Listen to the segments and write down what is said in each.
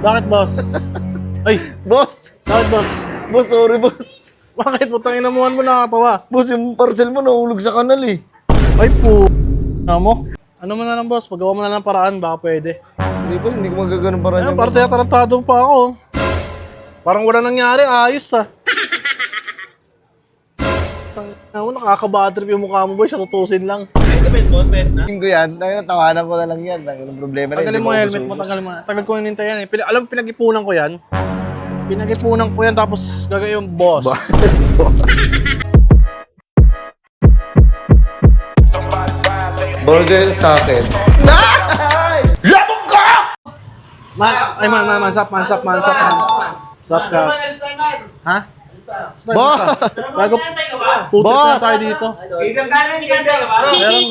Bakit, boss? Ay, Boss! bakit, boss? Boss, sorry boss. Bakit? Putang inamuhan mo nakakatawa. Boss, yung parcel mo nahulog sa kanal eh. Ay, po. Mo? Ano mo na lang, boss? Pagawa mo na lang paraan, baka pwede. Hindi boss, hindi ko magaganon para Ayun, niya. parang tinatarantado pa ako. Parang wala nangyari, ayos ah. Tangina mo, nakaka-badtrip yung mukha mo, boy, sa tutusin lang. Tingin ko yan, tawanan ko na lang yan. Ang problema na Tagalin mo yung helmet mo, tagalin mo. Tagal ko hinintay yan eh. Alam, pinag-ipunan ko yan. Pinag-ipunan ko yan, tapos gagawin yung boss. Burger sa akin. Labog ka! Man, sap, gas. Ha? Boss! Bago, putik na Boss! tayo dito. Meron.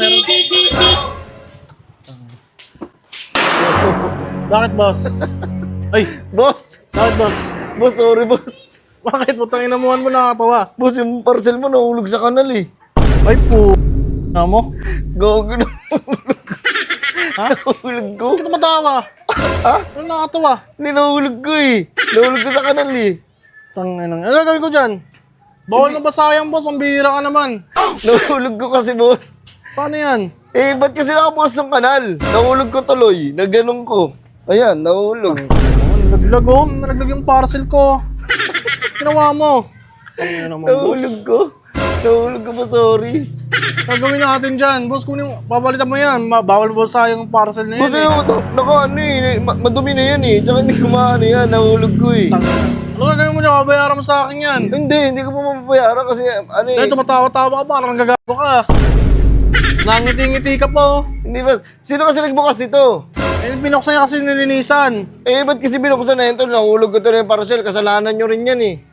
Bakit, boss? Ay, Boss! bakit, boss? Boss, sorry boss. Bakit? Putang inamuhan mo nakakatawa. Boss, yung parcel mo nahulog sa kanal eh. Ay, po. Mo? Gogo na. Ha? Nahulog ko. Bakit matawa? Ha? Ano nakakatawa? Hindi nahulog ko eh. Nahulog ko sa kanal eh. Tangina. Ano gagawin ko dyan? Bawal na ba sayang, boss? Ang bihira ka naman. Nahulog ko kasi boss. Paano yan? Eh, ba't kasi nakabukas ng kanal? Nahulog ko tuloy. Naganon ko. Ayan, nahulog. Nalaglag oh. Nalaglag yung parcel ko. Ginawa mo. Tangina naman, boss. Nahulog ko. Nahulog ko pa, sorry. Gagawin natin dyan. Boss, kunin mo. Papalitan mo yan. Bawal ba sayang yung parcel na yan? Boss, ano eh. Madumi na yan eh. Tsaka hindi ko maano yan. Nahulog ko eh. Ano gagawin mo na? Kabayaran mo sa akin yan. Hindi ko pa mapapayaran kasi ano eh. Dahil tumatawa-tawa ka. Parang nagagago ka. Nangiti-ngiti ka po. Hindi ba? Sino kasi nagbukas ito? Eh, binuksan niya kasi nilinisan. Eh, ba't kasi binuksan na ito? Nahulog ko ito na yung parcel. Kasalanan nyo rin yan eh.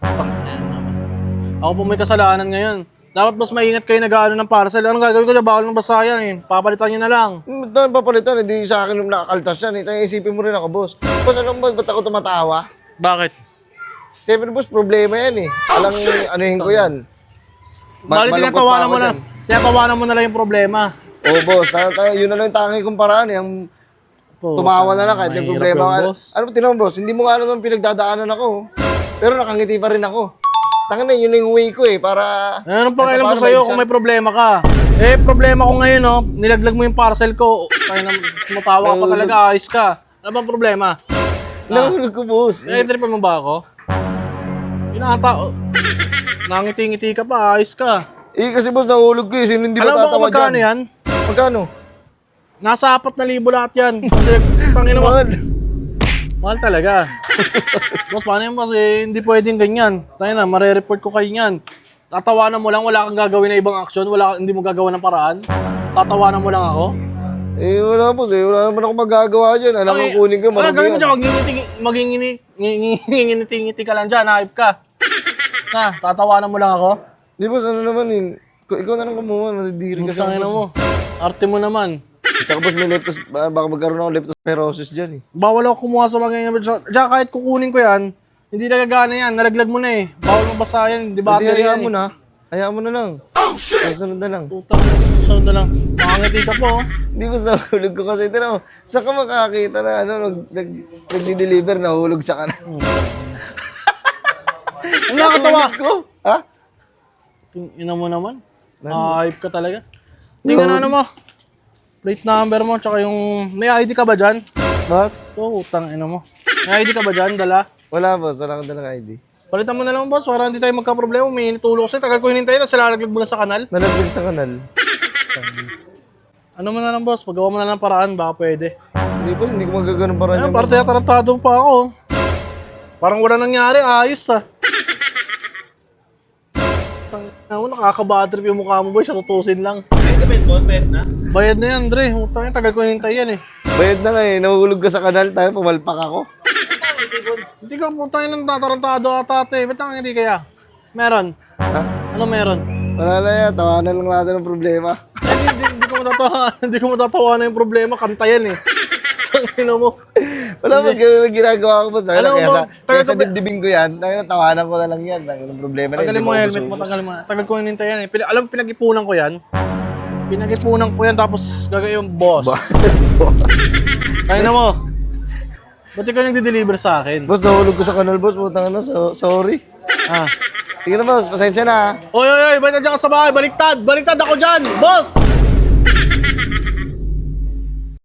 Ako po may kasalanan ngayon. Dapat mas maingat kayo nag-aano ng parcel. Anong gagawin ko na? Bawal ng basaya eh. Papalitan nyo na lang. Doon papalitan, hindi sa akin yung nakakaltas yan. Eh. Tayo isipin mo rin ako, boss. Boss, alam mo ba't ako tumatawa? Bakit? Siyempre, boss, problema yan eh. Alang anuhin ko yan. Bali, Malungkot pa tinatawanan ako mo na. dyan. Tinatawanan mo na lang yung problema. Oo, boss. Yun na lang yung tangi kong paraan eh. Ang tumawa na lang kahit may mahirap problema yun, ka. boss. Ano ba tinawag, boss? Hindi mo nga alam ang pinagdadaanan ako. Pero nakangiti pa rin ako. Tanga na, yun yung way ko eh, para... Ano pa kailan paano ko sa'yo ma-insan? kung may problema ka? Eh, problema ko ngayon, oh. Nilaglag mo yung parcel ko. Kaya na, tumatawa ka pa talaga, ayos ka. Ano bang problema? Nahulog ko, boss. Naitripan mo ba ako? Pinata, oh. Nangiti-ngiti ka pa, ayos ka. Eh, kasi boss, nahulog ko eh. Sino hindi Alam mo kung matatawa magkano dyan? yan? Magkano? Nasa 4,000 lahat yan. Kasi, tangina mo. Mahal. Mahal talaga. Boss, paano yun, boss? Eh, hindi pwedeng ganyan. Tayo na, marereport ko kayo yan. Tatawanan mo lang, wala kang gagawin na ibang aksyon, hindi mo gagawa ng paraan. Tatawanan mo lang ako. Eh, wala boss eh. Wala naman ako magagawa dyan. Alam ko kunin ko, Ano marami gawin mo yan. dyan? Magingiti-ngiti ka lang dyan, hype ka. Na, tatawanan mo lang ako. Di boss, ano naman eh. Ikaw na lang kumuha, nadidiri kasi Tangina mo. ako. Arte mo naman. Tsaka boss, may leptos, baka magkaroon ako leptospirosis dyan eh. Bawal ako kumuha sa mga ganyan. Diyan, kahit kukunin ko yan, hindi nagagana yan. Nalaglag mo na eh. Bawal mo basa yan. Di ba? Hindi, hayaan mo na. Hayaan mo na lang. Sunod na lang. Putang, susunod na lang. Makangiti ka po. Oh. Di ba nahulog ko kasi, tira mo, saan ka makakita na ano, nag-deliver, nahulog sa kanan. Ang nakakatawa. Nahulog ko? Ha? Ina mo naman. Hype ka talaga. Tingnan na ano mo. Plate number mo, tsaka yung... May ID ka ba dyan? Boss? Oo, utang ina mo. May ID ka ba dyan? Dala? Wala boss, wala akong dalang ID. Palitan mo na lang, boss, para hindi tayo magka-problema. May initulong sa'yo. Tagal ko hinintay na, silalaglag mo na sa kanal. Nalaglag sa kanal. Ano mo na lang, boss? Pagawa mo na lang paraan, baka pwede. Hindi boss, hindi ko magaganon para Ayun, niya. parang tinatarantado pa ako. Parang wala nangyari, ayos ah. Tangina mo, nakaka-badtrip yung mukha mo, boy, sa tutusin lang. Bayad na yan, Dre. Utang, tagal ko hinintay yan eh. Bayad na nga eh, nahulog ka sa kanal, tayo pumalpak ako. Hindi ka putang ng tatarantado ata ate. Ba't ang hindi kaya? Meron. Ha? Ano meron? Wala na yan, tawanan lang natin ng problema. Hindi ko matatawa. Hindi ko matatawa na yung problema. Kanta yan eh. Tangina mo. Wala ba ganun ang ginagawa ko boss? Alam mo, Kaya sa dibdibin ko yan, tawanan ko na lang yan. Ang problema na Tagalin mo yung helmet mo. Tagal mo. Tagal ko hinintay yan eh. Alam, pinag-ipunan ko yan. Pinag-ipunan ko yan tapos gagawin yung boss. Kaya na mo. Ba't ikaw nagde-deliver sa akin? Boss, nahulog ko sa kanal, boss. Putang na, sorry. Ah. Sige na, boss. Pasensya na. Oy, ba't nandiyan ka sa bahay? Baliktad ako dyan! Boss!